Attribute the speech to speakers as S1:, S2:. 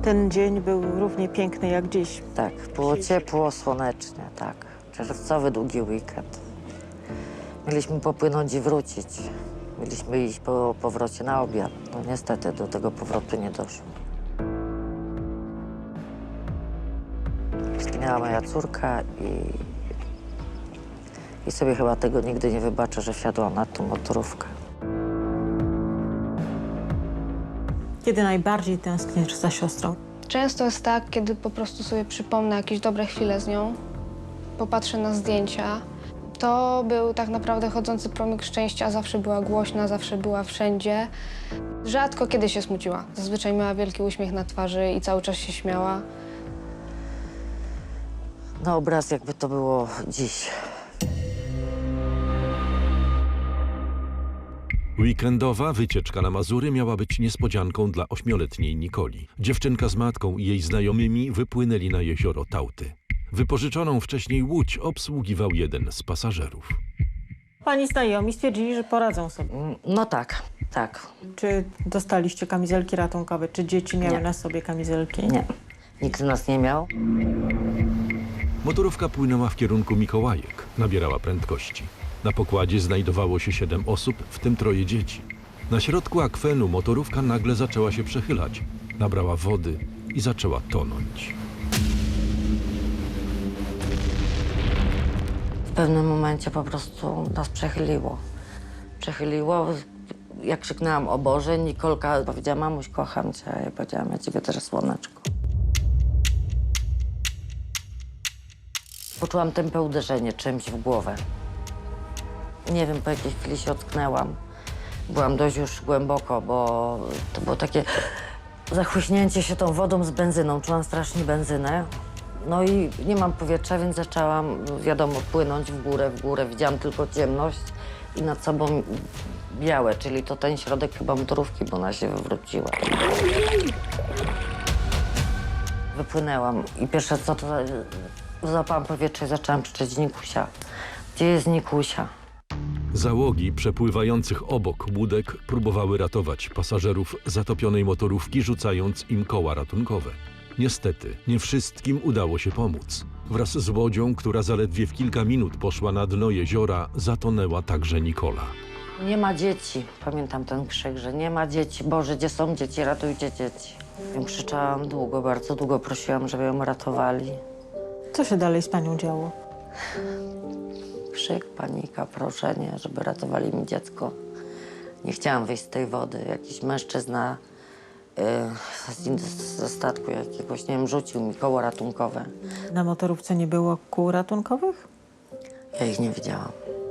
S1: Ten dzień był równie piękny jak dziś.
S2: Tak, było ciepło, słonecznie, tak. Czerwcowy, długi weekend. Mieliśmy popłynąć i wrócić. Mieliśmy iść po powrocie na obiad. No niestety do tego powrotu nie doszło. Zginęła moja córka i sobie chyba tego nigdy nie wybaczę, że wsiadłam na tą motorówkę.
S1: Kiedy najbardziej tęsknisz za siostrą?
S3: Często jest tak, kiedy po prostu sobie przypomnę jakieś dobre chwile z nią, popatrzę na zdjęcia. To był tak naprawdę chodzący promyk szczęścia, zawsze była głośna, zawsze była wszędzie. Rzadko kiedy się smuciła. Zazwyczaj miała wielki uśmiech na twarzy i cały czas się śmiała.
S2: No obraz jakby to było dziś.
S4: Weekendowa wycieczka na Mazury miała być niespodzianką dla 8-letniej Nikoli. Dziewczynka z matką i jej znajomymi wypłynęli na jezioro Tałty. Wypożyczoną wcześniej łódź obsługiwał jeden z pasażerów.
S1: Pani znajomi stwierdzili, że poradzą sobie.
S2: No tak, tak.
S1: Czy dostaliście kamizelki ratunkowe? Czy dzieci miały
S2: Nie.
S1: na sobie kamizelki?
S2: Nie. Nikt z nas nie miał.
S4: Motorówka płynęła w kierunku Mikołajek. Nabierała prędkości. Na pokładzie znajdowało się 7 osób, w tym 3 dzieci. Na środku akwenu motorówka nagle zaczęła się przechylać. Nabrała wody i zaczęła tonąć.
S2: W pewnym momencie po prostu nas przechyliło. Przechyliło. Jak krzyknęłam o Boże, Nikolka powiedziała: mamuś, kocham cię. A ja powiedziałam: ja ciebie też, słoneczko. Poczułam tępe uderzenie czymś w głowę. Nie wiem, po jakiej chwili się ocknęłam. Byłam dość już głęboko, bo to było takie zachłyśnięcie się tą wodą z benzyną. Czułam strasznie benzynę. No i nie mam powietrza, więc zaczęłam, wiadomo, płynąć w górę. Widziałam tylko ciemność i nad sobą białe, czyli to ten środek chyba motorówki, bo ona się wywróciła. Wypłynęłam i pierwsze co to złapałam powietrze i zaczęłam krzyczeć: Nikusia, gdzie jest Nikusia?
S4: Załogi przepływających obok łódek próbowały ratować pasażerów zatopionej motorówki, rzucając im koła ratunkowe. Niestety, nie wszystkim udało się pomóc. Wraz z łodzią, która zaledwie w kilka minut poszła na dno jeziora, zatonęła także Nikola.
S2: Nie ma dzieci. Pamiętam ten krzyk, że nie ma dzieci. Boże, gdzie są dzieci? Ratujcie dzieci. Ja krzyczałam długo, bardzo długo prosiłam, żeby ją ratowali.
S1: Co się dalej z panią działo?
S2: Krzyk, panika, proszenie, żeby ratowali mi dziecko. Nie chciałam wyjść z tej wody. Jakiś mężczyzna ze statku jakiegoś, nie wiem, rzucił mi koło ratunkowe.
S1: Na motorówce nie było kół ratunkowych?
S2: Ja ich nie widziałam.